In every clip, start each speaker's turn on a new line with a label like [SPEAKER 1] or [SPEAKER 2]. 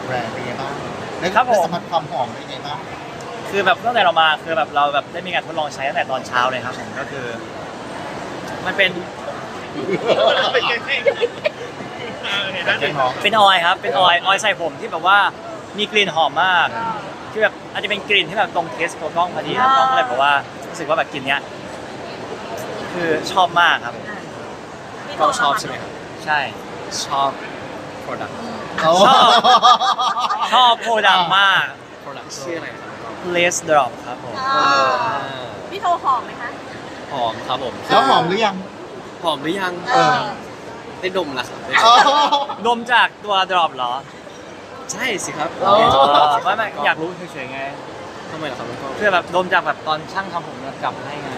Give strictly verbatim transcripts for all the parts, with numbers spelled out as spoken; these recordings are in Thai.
[SPEAKER 1] แบรนด์เป็นไงบ้างได้
[SPEAKER 2] ครับผม
[SPEAKER 1] ได้สัมผัสความหอมเป็นไงบ้าง
[SPEAKER 2] คือแบบตั้งแต่เรามาคือแบบเราแบบได้มีการทดลองใช้ตั้งแต่ตอนเช้าเลยครับผมก็คือ มันเป็น
[SPEAKER 1] เป็นหอม
[SPEAKER 2] เป็นออยล์ครับเป็นออยล์ออยล์ใส่ผมที่แบบว่ามีกลิ่นหอมมากที่แบบอาจจะเป็นกลิ่นที่แบบตรงเทสตัวกล้องพอดีครับกล้องก็เลยบอกว่ารู้สึกว่าแบบกลิ่นเนี้ยคือชอบมากครับ
[SPEAKER 3] ก็ชอบใช่ไหมครับ
[SPEAKER 2] ใช่
[SPEAKER 3] ชอบ product
[SPEAKER 1] โอ้
[SPEAKER 2] ชอบ ชอบโปรดักต์มาก
[SPEAKER 3] product ชื่ออะไรครับ
[SPEAKER 2] Lace Drop ครับผม
[SPEAKER 3] อ่า
[SPEAKER 4] พี่โทรหอมไหมคะ
[SPEAKER 3] หอมครับผม
[SPEAKER 1] แล้วหอมหรือยัง
[SPEAKER 3] หอมหรือยัง
[SPEAKER 1] เออ
[SPEAKER 3] ได้ดมแล้วครับได้
[SPEAKER 1] อ๋อ
[SPEAKER 2] ดมจากตัว Drop เหรอ
[SPEAKER 3] ใช่สิครับ
[SPEAKER 1] อ๋อ
[SPEAKER 2] ไม่ไม่อยากรู้เฉยๆไง
[SPEAKER 3] ทำไมล่ะครับแล้วก็
[SPEAKER 2] คือแบบดมจากแบบตอนช่างทำผมกลับให้ไง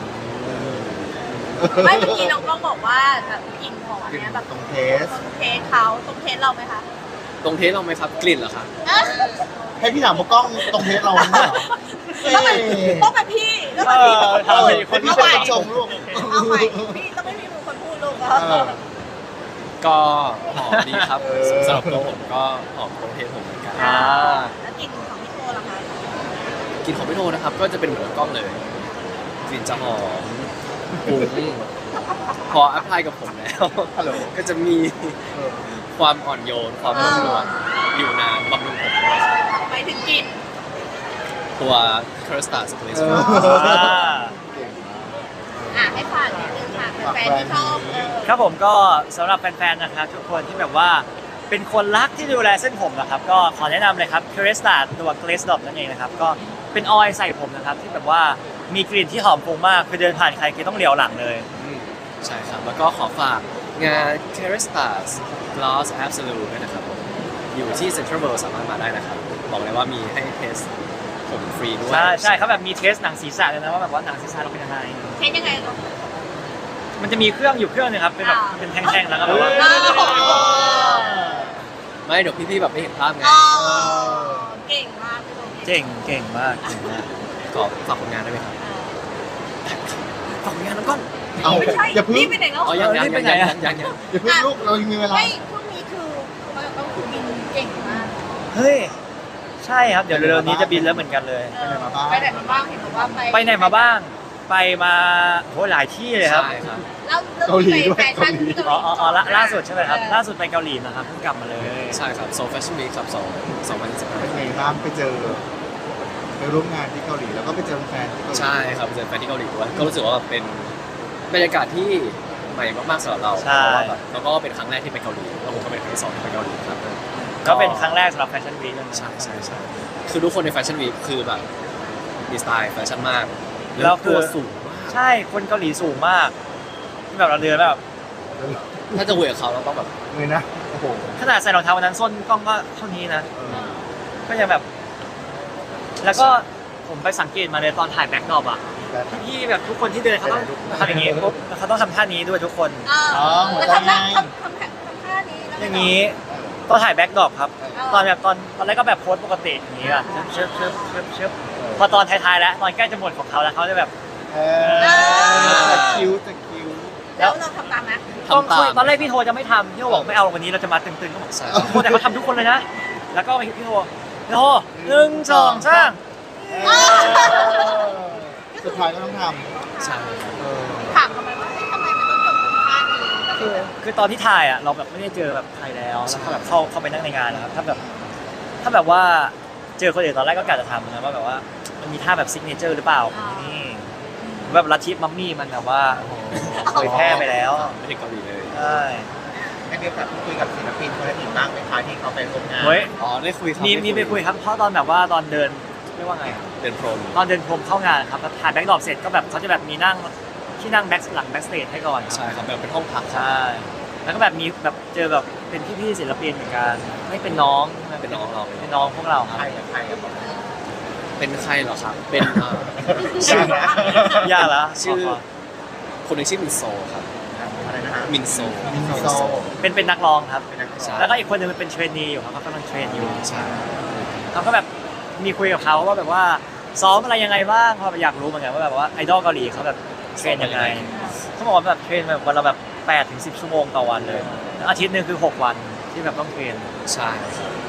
[SPEAKER 4] ไม่เมื่อกี้น้องกล้องบอกว่าแบบกลิ่นหอมเนี้ยแบบ
[SPEAKER 1] ตรงเทส
[SPEAKER 4] ตรงเทสเขาตรงเทสเราไหมคะ
[SPEAKER 3] ตรงเทสเราไหมครับกลิ่นเหรอครับ
[SPEAKER 1] ให้พี่ถามว่ากล้องตรงเทสเราไหมเหรอ
[SPEAKER 4] ต้องเป็นต้องเป็นพี่ต้องเป็นพี่
[SPEAKER 2] เออ
[SPEAKER 1] เออ
[SPEAKER 2] เป็นคนที่
[SPEAKER 1] ที่เป็นคนชมลูก
[SPEAKER 4] เอาใหม่พี่ต้องไม่มีมือคนพูดลูก
[SPEAKER 1] เออ
[SPEAKER 3] ก็หอมดีครับ
[SPEAKER 1] เออ
[SPEAKER 3] สำหรับตัวผมก็หอมตรงเทสผมเหมือนกัน
[SPEAKER 2] อ่า
[SPEAKER 4] แล้วกลิ่นของพี่โทล่ะคะ
[SPEAKER 3] กลิ่นของพี่โทนะครับก็จะเป็นเหมือนกล้องเลยกลิ่นจะหอมปุ้งพออัพพลายกับผมแล้ว
[SPEAKER 1] ฮัลโหล
[SPEAKER 3] ก็จะมี
[SPEAKER 1] เออ
[SPEAKER 3] ความอ่อนโยนความนุ่มนวลอยู่นานบำรุงผมด้วย
[SPEAKER 4] ไปถึงกลิ่น
[SPEAKER 3] ตัว c u r s t a r Space
[SPEAKER 1] เออ
[SPEAKER 2] อ่า
[SPEAKER 4] อ่ะให้ฝากนิดนึงค่ะแฟนๆที่ชอบเออ
[SPEAKER 2] ครับผมก็สำหรับแฟนๆนะครับทุกคนที่แบบว่าเป็นคนรักที่ดูแลเส้นผมนะครับก็ขอแนะนำเลยครับ c u r e s t a ตัว Glaze Dot นั่นเองนะครับก็เป็นออยล์ใส่ผมนะครับที่แบบว่ามีกลิ่นที่หอมฟุ้งมากคือเดินผ่านใครคือต้องเหลียวหลังเลย
[SPEAKER 3] อืมใช่ครับ แล้วก็ขอฝากงาน c a r e s t a r Gloss Absolute ด้วยนะครับผมอยู่ที่ Central World สามารถมาได้นะครับ บอกเลยว่ามีให้เทสผมฟรีด้วย
[SPEAKER 2] ใช่ใช่เขาแบบมีเทสหนังศีรษะเลยนะว่าแบบว่าหนังศีรษะเราเป็นยังไง
[SPEAKER 4] เทสยังไงลูก
[SPEAKER 2] มันจะมีเครื่องอยู่เครื่องนึงครับเป็นแบบ
[SPEAKER 4] อ่า
[SPEAKER 2] เป็นแท่งๆแล้วก็แบบว่า
[SPEAKER 4] อ้าว
[SPEAKER 3] ไม่เดี๋ยวพี่ๆแบบไม่เห็นภาพไง
[SPEAKER 4] อ๋อเก่งมากพี่โท
[SPEAKER 2] เก่งเก่งมากเก่งมาก
[SPEAKER 3] ขอฝากผลงานได้ไหมครับฝากผลงานน้องก้อน
[SPEAKER 1] เอา
[SPEAKER 4] ไม่ใช่
[SPEAKER 1] อย่าเพึ่ง
[SPEAKER 4] นี่ไปไหนแล้ว
[SPEAKER 3] อ๋อยังยังยังยังยังยัง
[SPEAKER 1] อย่าเพึ่งลูกเรายังมีเวลา
[SPEAKER 4] ไม่ช่วงนี้คือเขาต้องคือบินเก่งมาก
[SPEAKER 2] เฮ้ยใช่ครับเดี๋ยวเร็วๆนี้จะบินแล้วเหมือนกันเลย
[SPEAKER 1] ไปไหนมาบ้าง
[SPEAKER 4] ไปไหนมาบ้างเห็นบอกว่าไป
[SPEAKER 2] ไปไหนมาบ้างไปมาโหหลายที่เลยครับ
[SPEAKER 3] ใช่ครับ
[SPEAKER 4] แล้ว
[SPEAKER 1] เกาหลีด้วย
[SPEAKER 4] แฟชั่นที่
[SPEAKER 2] อ๋ออ๋ออ๋อล่าล่าสุดใช่ไหมครับ
[SPEAKER 4] เออ
[SPEAKER 2] ล่าสุดไปเกาหลีนะครับเพิ่งกลับมาเลย
[SPEAKER 3] ใช่ครับ Seoul Fashion Week ครับสองสองพันสิบห้า
[SPEAKER 1] เป็นไงบ้างไปเจอไปร่วมงานที่เกาหลีแล้วก็ไปเจอแฟนที่เกาหลี
[SPEAKER 3] ใช่ครับเจอแฟนที่เกาหลีด้วยก็รู้สึกว่าเป็นบรรยากาศที่ใหม่มากๆสำหรับเราเพ
[SPEAKER 2] ใช่
[SPEAKER 3] ราะว่าแบบแล้วก็เป็นครั้งแรกที่ไปเกาหลีแล้วผมก็เป็นครั้งที่สองที่ไปเกาหลีครับ
[SPEAKER 2] ก็เป็นครั้งแรกสำหรับแฟชั่นวีคเลยนะ
[SPEAKER 3] ใช่ใช่ใช่คือทุกคนในแฟชั่นวีคคือแบบมีสไตล์แฟชั่นมาก
[SPEAKER 2] แล้วคื
[SPEAKER 3] ตั
[SPEAKER 2] อ
[SPEAKER 3] วสูงมาก
[SPEAKER 2] ใช่คนเกาหลีสูงมากที่แบบเราเดินแบบ
[SPEAKER 3] ถ้าจะคุยกับเขาเราต้องแบบ
[SPEAKER 1] เลยนะโอ้โห
[SPEAKER 2] ขนาดใส่รองเท้าวันนั้นส้นกล้องก็เท่านี้นะ
[SPEAKER 1] เออ
[SPEAKER 2] ก็ยังแบบ แล้วก็ผมไปสังเกตมาเลยตอนถ่ายแบ็คดรอปอ่ะ
[SPEAKER 1] แบบ
[SPEAKER 2] พี่แบบทุกคนที่เดินเขาต้องทำอย่างงี้ปุ๊บแล้วเขาต้องทำท่านี้ด้วยทุกคน
[SPEAKER 4] อ๋อ
[SPEAKER 1] อ๋อหัว
[SPEAKER 4] แล้ว
[SPEAKER 1] ใจ
[SPEAKER 4] ทำ
[SPEAKER 1] ไง
[SPEAKER 4] ท่าทำทำทำท่านี้แล้ว
[SPEAKER 2] อย่างนี้ตอนถ่ายแบ็คดรอปครับ
[SPEAKER 4] เออ
[SPEAKER 2] ตอนแบบตอนตอนแรกก็แบบโพสปกติอย่างนี้แบบเชิบเชิบเชิบเชิบพอตอนท้ายๆแล้วตอนใกล้จะหมดของเขาแล้วเขาจะแบบ
[SPEAKER 1] เออจะคิ้วจะคิ้ว
[SPEAKER 4] แล้วเราทำตามไหม
[SPEAKER 2] ต้อง
[SPEAKER 3] ทำตาม
[SPEAKER 2] ตอนแรกพี่โทจะไม่ทำพี่โทบอกไม่เอาวันนี้เราจะมาตึงๆก็บอก
[SPEAKER 3] ใช่
[SPEAKER 2] โทแต่เขาทำทุกคนเลยนะ แล้วก็พี่โทพี่โทหนึ่งสองสาม
[SPEAKER 1] เออสุดท้ายก็ต้องท
[SPEAKER 3] ใช่
[SPEAKER 1] ำเออ
[SPEAKER 4] ถามทำไมว่าเฮ้ยทำไมมันต้องจบตรงท่านี้
[SPEAKER 2] คือคือตอนที่ถ่ายอ่ะเราแบบไม่ได้เจอแบบใครแล้วแล้วก็แบบเข้าเข้าไปนั่งในงานนะครับถ้าแบบถ้าแบบว่าเจอคนอื่นตอนแรกก็กะจะทำนะว่าแบบว่ามันมีท่าแบบซิกเนเจอร์หรือเปล่านี่แบบลัทธิมัมมี่มันแบบว่าโอ้โหเผยแพร่ไปแล้ว
[SPEAKER 3] ไม่ถึงเกาหลีเลย
[SPEAKER 2] ใช่
[SPEAKER 1] ได้มีโอกาสพูดคุยกับศิลปินคนอื่นบ้างไหมคะที่เขาไปร่วมงาน
[SPEAKER 2] เฮ้ย
[SPEAKER 3] อ๋อได้คุยครับ
[SPEAKER 2] มี
[SPEAKER 3] ด้
[SPEAKER 2] มีไปคุยครับเพราะตอนแบบว่าตอนเดินเรียกว่าไง
[SPEAKER 3] เดินพรม
[SPEAKER 2] ตอนเดินพรมเข้างานครับแล้วถ่ายแบ็คดรอปเสร็จก็แบบเขาจะแบบมีนั่งที่นั่งแบ็คหลังแบ็คสเตจให้ก่อนครับ
[SPEAKER 3] ใช่ครับแบบเป็นห้องพัก
[SPEAKER 2] ใช่ แล้วก็แบบมีแบบเจอแบบเป็นพี่ๆศิลปินเหมือนกันไม่เป็นน้อง
[SPEAKER 3] เป็นน้องเรา
[SPEAKER 2] เป็นน้องพวกเราครับ
[SPEAKER 1] ใครกับใครกับผม
[SPEAKER 3] เป็นใครเหรอครับ เป็นอ่า
[SPEAKER 1] ชื่อ
[SPEAKER 2] ยากแล้ว
[SPEAKER 3] ชื่อ คนหนึงชื่อมินโซครับ
[SPEAKER 1] อะไรนะฮะ
[SPEAKER 3] มินโซ
[SPEAKER 1] มินโซ
[SPEAKER 2] เป็นเป็นนักร้องครับ
[SPEAKER 1] เป็นนักร้อง
[SPEAKER 3] ใช่
[SPEAKER 2] แล้วก็อีกคนหนึงเป็นเทรนนีอยู่ครับเขากำลังเทรนอยู่
[SPEAKER 3] ใช่
[SPEAKER 2] เขาก็แบบมีคุยกับเขาว่าแบบว่าซ้อมอะไรยังไงบ้างเพราะอยากรู้เหมือนกันว่าแบบว่าไอดอลเกาหลีเขาแบบเทรนยังไงเขาบอกว่าแบบเทรนแบบวันละแบบแปดถึงสิบชั่วโมงต่อวันเลยแล้วอาทิตย์หนึงคือหกวันที่แบบต้องเทรน
[SPEAKER 3] ใช่ครับ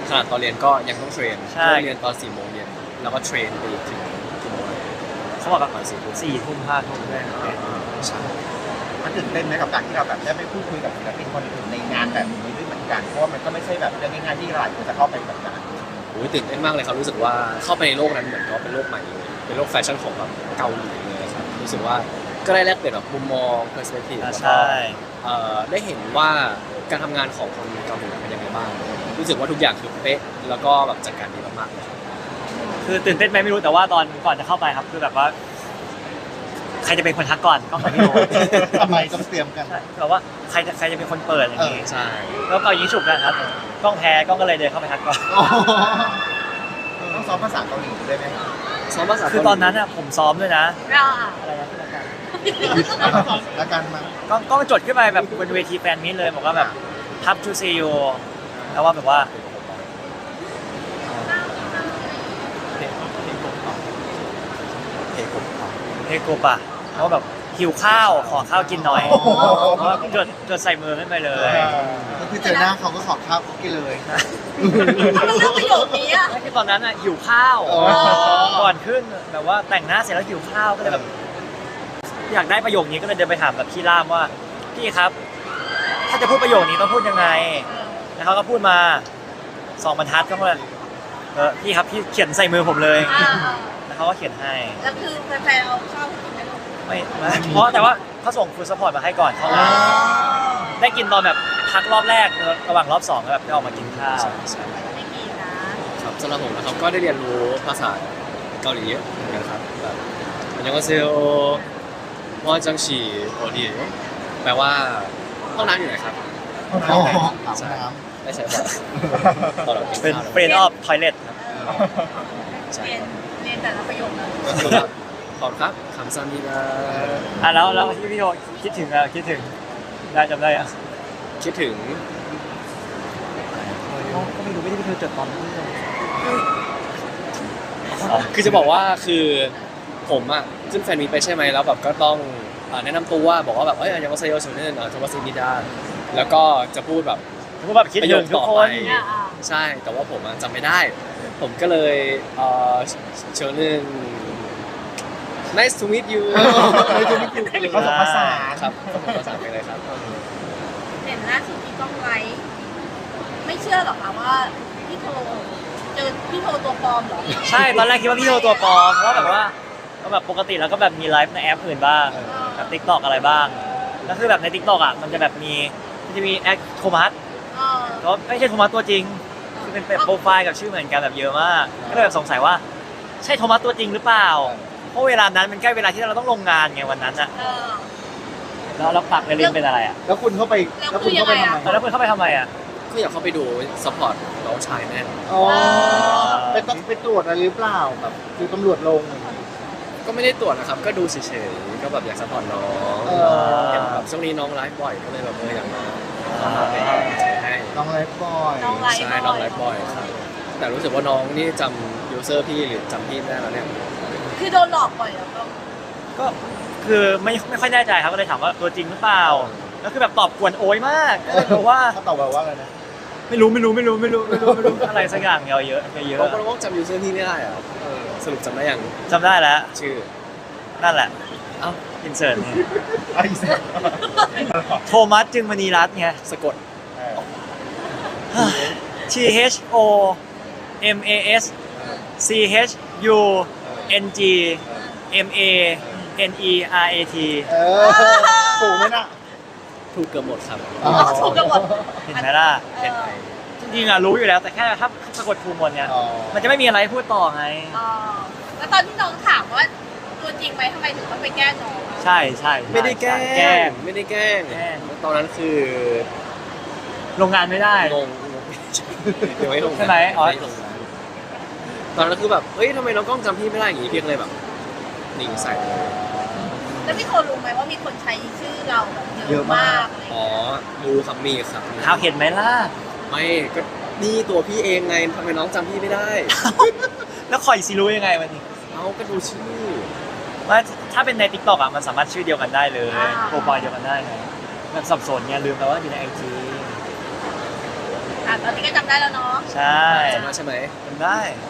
[SPEAKER 3] ขนาดตอนเรียนก็ยังต้องเทรน
[SPEAKER 2] ใช่
[SPEAKER 3] เริ่มเรียนตอนสี่โมงเย็นแล้วก็เทรนไปอีกถึงกี่โมง
[SPEAKER 2] เขาบอก
[SPEAKER 3] ป
[SPEAKER 2] แบ
[SPEAKER 3] ระ
[SPEAKER 2] บ
[SPEAKER 3] มาณสี่ทุ่ม
[SPEAKER 2] สี่ทุ่มห้าทุ่มด้วย
[SPEAKER 3] ใช่
[SPEAKER 1] มันตื่นเต้นไหมกับการที่เราแบบได้ไปพูดคุยกับศิลปินคนอื่นในงานแบบนี้ด้วยเหมือนกันเพราะว่ามันก็ไม่ใช่แบบเรื่องง่ายๆที่หลายคนจะเข้าไปแบบนั้น
[SPEAKER 3] โอ้ยตื่นเต้นมากเลยครับรู้สึกว่าเข้าไปในโลกนั้นเหมือนก็เป็นโลกใหม่เลยเป็นโลกแฟชั่นของแบบเกาหลีเลยครับรู้สึกว่าก็ได้แลกเปลี่ยนแบบมุมมอง perspective
[SPEAKER 2] อ่า
[SPEAKER 3] แล้วก็
[SPEAKER 2] ใช่
[SPEAKER 3] เอ่อได้เห็นว่าการทำงานของคนเกาหลีเป็นยังไงบ้างรู้สึกว่าทุกอย่างคือเป๊ะแล้วก็แบบจัดการดีมากๆเลยครับ
[SPEAKER 2] คือตื่นเต้นไหมไม่รู้แต่ว่าตอนก่อนจะเข้าไปครับคือแบบว่า ใครจะเป็นคนทักก่อนก็ของพี่โอ
[SPEAKER 1] ทำไมต้องเตรียมกัน
[SPEAKER 2] ใช่แบบว่าใครจะใครจะเป็นคนเปิดอย่างนี้
[SPEAKER 3] ใช่
[SPEAKER 2] แล้วก็ยิงฉุบกันครับกล้องแพ้กล้องก็เลยเดินเข้าไปทักก่อน
[SPEAKER 1] ต้องซ้อมภาษาเกาหลีด้วยไหมครับ
[SPEAKER 3] ซ้อมภาษา
[SPEAKER 2] คือตอนนั้นอ่ะผมซ้อมด้วยนะ
[SPEAKER 4] เราอ่ะ
[SPEAKER 2] อะไรนะที่รายการ
[SPEAKER 1] แล้วกันมา
[SPEAKER 2] กล้องกล้องจดขึ้นไปแบบบนเวทีแฟนมิตเลยบอกว่าแบบทับชูซีโอแล้วว่าแบบว่า
[SPEAKER 3] เพลงเพลงผมเพลงผม
[SPEAKER 2] เฮโกปะแล้วแบบหิวข้าวขอข้าวกินหน่อยแล้วก็จดจดใส่มือขึ้นไปเลย
[SPEAKER 1] ก็คือเจอหน้าเขาก็ขอข้าวกินเลย
[SPEAKER 4] ทำไมเลือกประโยคนี้อ่ะ
[SPEAKER 2] ไม่คือตอนนั้นอ่ะหิวข้าว
[SPEAKER 1] อ๋อ
[SPEAKER 2] ก่อนขึ้นแบบว่าแต่งหน้าเสร็จแล้วหิวข้าวก็เลยแบบ อยากได้ประโยคนี้ก็เลยเดินไปถามแบบพี่ล่ามว่าพี่ครับ ถ้าจะพูดประโยคนี้ต้องพูดยังไงแล้วเขาก็พูดมาสองบรรทัดก็เลยเออพี่ครับพี่เขียนใส่มือผมเลย
[SPEAKER 4] อ่า
[SPEAKER 2] แล้วเขาก็เขียนให้
[SPEAKER 4] แล้วคือแฟนๆเอาเข้ากินไหมลูก
[SPEAKER 2] ไม่ไม่เพราะแต่ว่าเขาส่งฟูดซัพพอร์ตมาให้ก่อนเข้างานได้กินตอนแบบพักรอบแรกระหว่างรอบสองแล้วแบบได้ออกมากินข้าว
[SPEAKER 3] ใช่ใช่
[SPEAKER 4] ไม่กินนะครับ
[SPEAKER 3] สำหรับผมนะครับก็ได้เรียนรู้ภาษาเกาหลีเยอะเหมือนกันครับแบบอันยังก็เซลวอจังฉีโอดีแปลว่าห้องน้ำอยู่ไหนครับ
[SPEAKER 1] อ๋ออาบน้
[SPEAKER 3] ไม่ใช่ว่าตอนเรากิน
[SPEAKER 2] เป็น
[SPEAKER 3] ข้าว
[SPEAKER 2] เฟรนออฟทอยเลทครับ
[SPEAKER 3] ใช่
[SPEAKER 4] เรียนเรียนแต่ละประโยคเลย
[SPEAKER 3] ขอบครับคำซามินา
[SPEAKER 2] อ่ะแล้วแล้วที่พี่โยคิดถึงอะคิดถึงได้จำได้อะ
[SPEAKER 3] คิดถึง
[SPEAKER 2] ก็ไม่รู้ไม่ได้พี่โยจดตอนนั้น
[SPEAKER 3] คือจะบอกว่าคือผมอ่ะขึ้นแฟนมีตไปใช่ไหมแล้วแบบก็ต้องอ่าแนะนำตัวบอกว่าแบบเอ้ยยังว่าไซโยชูเนนอ่ะทวัสมิดาแล้วก็จะพูดแบบ
[SPEAKER 2] ผมแบบคิดถึงทุกคน
[SPEAKER 4] อ่าอ่า
[SPEAKER 3] ใช่แต่ว่าผมอะจำไม่ได้ ผมก็เลยเอ่อเชิญหนึ่ง nice to meet you
[SPEAKER 1] ำเลยจะไม่กินผสมผสาน
[SPEAKER 3] ครับผสมผสานไปเลยครับ
[SPEAKER 4] เห็นล่าสุดที่กล้องไลฟ์ไม่เชื่อหรอกค่ะว่าพี่โทเจอพี่โทตัวปลอมเหรอ
[SPEAKER 2] ใช่ตอนแรกคิดว่าพี่โยตัวปลอมเพราะแบบว่าก็แบบปกติแล้วก็แบบมีไลฟ์ในแอปอื่นบ้างแบบทิกตอกอะไรบ้างแล้วคือแบบในทิกตอกอ่ะมันจะแบบมีมันจะมีแอคโทมัส
[SPEAKER 4] เออ
[SPEAKER 2] ก็ไม่ใช่โทมัสตัวจริงคือเป็นโปรไฟล์กับชื่อเหมือนกันแบบเยอะมากก็เลยแบบสงสัยว่าใช่โทมัสตัวจริงหรือเปล่าเพราะเวลานั้นมันใกล้เวลาที่เราต้องลงงานไงวันนั้นอ่ะ
[SPEAKER 4] เออ
[SPEAKER 2] แล้วเราปักเรนเป็นอะไรอ่ะ
[SPEAKER 1] แล้วคุณเข้าไปแล้วคุณเข้าไปทำไม
[SPEAKER 2] แล้วคุณเข้าไปทำไมอ่ะ
[SPEAKER 3] ก็อยากเข้าไปดูซัพพอร์ตน้องชายแน่น
[SPEAKER 1] อ๋อไปต้องไปตรวจอะไรหรือเปล่าแบบคือตำรวจลง
[SPEAKER 3] ก็ไม่ได้ตรวจนะครับ ก็ดูเฉยๆก็แบบอยากซัพพอร์ตน้อง
[SPEAKER 1] เออ
[SPEAKER 3] เห็นแบบช่วงนี้น้องไลฟ์บ่อยก็เลยแบบเอออยากมามาเป็นกำลังใจให้
[SPEAKER 1] น้องไลฟ์บอย
[SPEAKER 4] น้องไลฟ์
[SPEAKER 3] ใช่น้องไลฟ์บ่อยครับแต่รู้สึกว่าน้องนี่จำยูเซอร์พี่หรือจำพี่ไม่ได้แล้วเนี่ย
[SPEAKER 4] คือโดนหลอกบ่อยแล้วก็
[SPEAKER 2] ก็คือไม่ไม่ค่อยแน่ใจครับก็เลยถามว่าตัวจริงหรือเปล่าแล้วคือแบบตอบกวนโอยมากก็เลยบอกว่า
[SPEAKER 1] เขาตอบแบบว่าอะไรนะ
[SPEAKER 2] ไม่รู้ไม่รู้ไม่รู้ไม่รู้ไม่รู้ไม่รู้อะไรสักอย่างเยอะเยอะเยอะ
[SPEAKER 3] เพราะน้องจำยูเซอร์พี่ไม่ได้อะสรุปจำได้ยัง
[SPEAKER 2] จำได้แล้ว
[SPEAKER 3] ชื่อ
[SPEAKER 2] นั่นแหละ
[SPEAKER 3] เอ้า
[SPEAKER 2] อินเสิร์ต
[SPEAKER 1] ไอ้เสร็จ
[SPEAKER 2] โทมัสจึงมณีรัตน์ไง
[SPEAKER 3] สะกด
[SPEAKER 2] T H O M A S C H U N G M A N E R A T
[SPEAKER 1] เออถูกไหมน่ะ
[SPEAKER 3] ถูกเกือบหมดครับ
[SPEAKER 1] อ๋อ
[SPEAKER 4] ถูกกันหมด
[SPEAKER 2] เห็นไหมล่ะ
[SPEAKER 4] เออ
[SPEAKER 2] จริงๆอะรู้อยู่แล้วแต่แค่ถ้าสะกดถูกหมดเนี่ย
[SPEAKER 1] อ๋อ
[SPEAKER 2] มันจะไม่มีอะไรพูดต่อไง
[SPEAKER 4] อ๋อแล้วตอนที่น้องถามว่าตัวจริงไหมทำไมถึงต้องไปแกล้งน้องอะ
[SPEAKER 2] ใช่ใช่ใช่
[SPEAKER 3] ไม่ได้แกล้
[SPEAKER 2] แกล้
[SPEAKER 3] ง
[SPEAKER 2] ง
[SPEAKER 3] ไม่ได้แกล้ง
[SPEAKER 2] แกล้ง
[SPEAKER 3] ตอนนั้นคือ
[SPEAKER 2] ลงงานไม่ได้
[SPEAKER 3] งงงงยังไม่ลง
[SPEAKER 2] ใช่ไหมอ๋อ
[SPEAKER 3] ไม่ลงนะตอนนั้นคือแบบเฮ้ยทำไมน้องกล้องจำพี่ไม่ได้อย่างงี้พี่ก็เลยแบบนิ่งใส่เลย
[SPEAKER 4] แล้วพี่โทรู้ไหมว่ามีคนใช้ชื่อเราแบบเยอะมากอะไรอย่าง
[SPEAKER 3] อ๋อ
[SPEAKER 4] เงี้ย
[SPEAKER 3] รู้ครับมีครับ
[SPEAKER 2] เอาเห็นไหมล่ะ
[SPEAKER 3] ไม่ก็นี่ตัวพี่เองไงทำไมน้องจำพี่ไม่ได้
[SPEAKER 2] แล้วคอยซีรู้ยังไงวันนี้
[SPEAKER 3] เอาก็ดูชื่อ
[SPEAKER 2] ว่าถ้าเป็นใน TikTok อ่ะมันสามารถชื่อเดียวกันได้เลยโปรไฟล์เดียวกันได้ไงแบบสับสนไงลืมไปว่าอยู่ในไอจี
[SPEAKER 4] ออ่ะตอนนี้ก็จำได้แล้วเนาะ
[SPEAKER 2] ใช่
[SPEAKER 3] จำได้ใช่ไหม
[SPEAKER 2] จำได้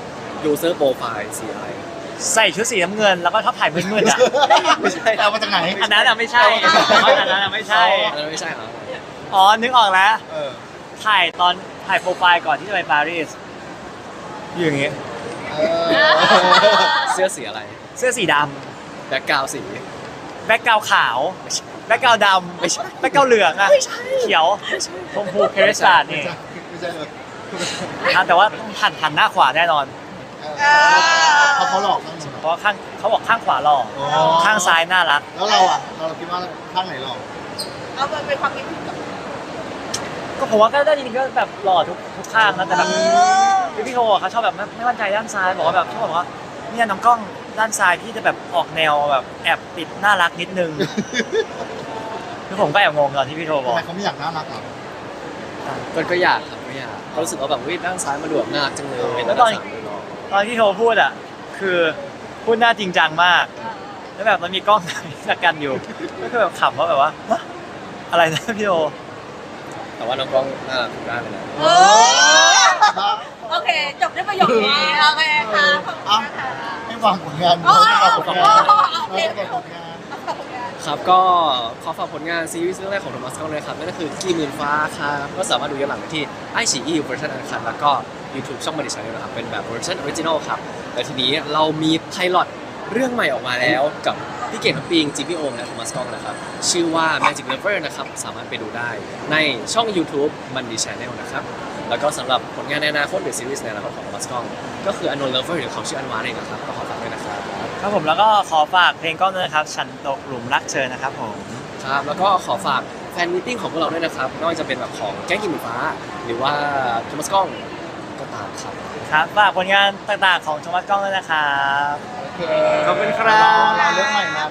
[SPEAKER 3] user profile สีอะไร
[SPEAKER 2] ใส่ชุดสีน้ำเงินแล้วก็ชอบถ่ายมืดๆอ่ะ
[SPEAKER 1] ไม่ใช่เอามาจากไหน
[SPEAKER 2] อันนั้นอ่ะไม่ใช่แต่ว่าอันนั้นอ่ะไม่ใช่
[SPEAKER 3] อันนั้นไม่ใช่เหรอ
[SPEAKER 2] อ๋อนึกออกแล้ว
[SPEAKER 1] เออ
[SPEAKER 2] ถ่ายตอนถ่ายโปรไฟล์ก่อนที่จะไปปารีสอยู่อย่างงี้
[SPEAKER 1] เออ
[SPEAKER 3] เสื้อสีอะไร
[SPEAKER 2] เสื้อสีด
[SPEAKER 3] แบ็คกราวสี
[SPEAKER 2] ำแบ็กกราวขาวแบ็กกราวดำ
[SPEAKER 3] ไม่ใช่
[SPEAKER 2] แบ็กกราวเหลืองอ่ะเขียวชมพูเครสตาร์ด
[SPEAKER 1] ไม่
[SPEAKER 2] นี่
[SPEAKER 1] ใช่ไม่ใช่เลย
[SPEAKER 2] อ่ะแต่ว่าต้องหันหันหน้าขวาแน่นอน
[SPEAKER 1] เออเขาเขาหลอกนั่น
[SPEAKER 2] เพราะว่าข้างเขาบอกข้างขวาหล่อ
[SPEAKER 1] อ๋อ
[SPEAKER 2] ข้างซ้ายน่ารัก
[SPEAKER 1] แล้วเราอ่ะเราคิดว่าข้างไหนหลอก
[SPEAKER 4] เอาไปเป็นความคิดถึงกับ
[SPEAKER 2] ก็ผมว่าก็ได้จริงๆก็แบบหล่อทุกทุกข้างนะแต่แบบพี่พี่โทอะเขาชอบแบบไม่ไม่มั่นใจด้านซ้ายบอกว่าแบบชอบบอกว่าเนี่ยน้องกล้องด้านซ้ายพี่จะแบบออกแนวแบบแอบติดน่ารักนิดนึง คือผมก็แอบงงตอนที่พี่โทบ
[SPEAKER 1] ทำ
[SPEAKER 2] อก
[SPEAKER 1] ไมเขาไม่อยากน่ารักหรอ
[SPEAKER 3] ก็ก็อยากครับก็อยากก็รู้สึกว่าแบบวิด้านซ้ายมาดูแบบน่ารักจังเลย
[SPEAKER 2] แล้วตอนตอนที่โทพูดอ่ะคือพูดหน้าจริงจังมาก แล้วแบบมันมีกล้องถ่ายกันอยู่ก็คือแบบขำว่าแบบว่าฮะอะไรนะพี่โท
[SPEAKER 3] แต่ว่าน้องกล้องน่ารักทุกด้านเลยนะ
[SPEAKER 4] เออโอเค จบด้วยประโยคนี้โอเคค่ะขอบคุณค่ะ
[SPEAKER 1] ไม่วางผลงาน
[SPEAKER 4] โอ้
[SPEAKER 1] ไม่วางผลงาน
[SPEAKER 4] โอ้โอเค
[SPEAKER 1] ไม่วางผลงาน
[SPEAKER 4] ขอบคุณค่ะ
[SPEAKER 3] ครับก็ขอฝากผลงานซีรีส์เรื่องแรกของโทมัสกล้องเลยครับนั่นก็คือกี่หมื่นฟ้าครับก็สามารถดูย้อนหลังได้ที่ไอชีอีเวอร์ชันอันคัดแล้วก็ YouTube ช่องบันดิชันนะครับเป็นแบบเวอร์ชันออริจินอลครับแล้วทีนี้เรามีไพลอตเรื่องใหม่ออกมาแล้วกับพี่เก่งทัพปิงจีพีโอมและโทมัสกล้องนะครับชื่อว่า Magic Lover นะครับสามารถไปดูได้ในช่อง YouTube บันดิชันนะครับแล้วก็สำหรับผลงานในอนาคตหรือซีรีส์ในอนาคตของโทมัสกล้องก็คือ Unknown Lover หรือเขาชื่ออันวาเองนะครับก็ขอฝากด้วยนะครับ
[SPEAKER 2] ครับผมแล้วก็ขอฝากเพลงกล้องด้วยนะครับฉันตกหลุมรักเธอนะครับผม
[SPEAKER 3] ครับแล้วก็ขอฝากแฟนมิทติ้งของพวกเราด้วยนะครับไม่ว่าจะเป็นแบบของแก๊งกิมหมูฟ้า หรือว่าโทมัสกล้องก็ตามครับ
[SPEAKER 2] ครับฝากผลงานต่างๆของโทมัสกล้องด้วยนะครับ
[SPEAKER 1] โอเค
[SPEAKER 2] ขอบคุณครับ
[SPEAKER 1] รอเรื่องใหม่มา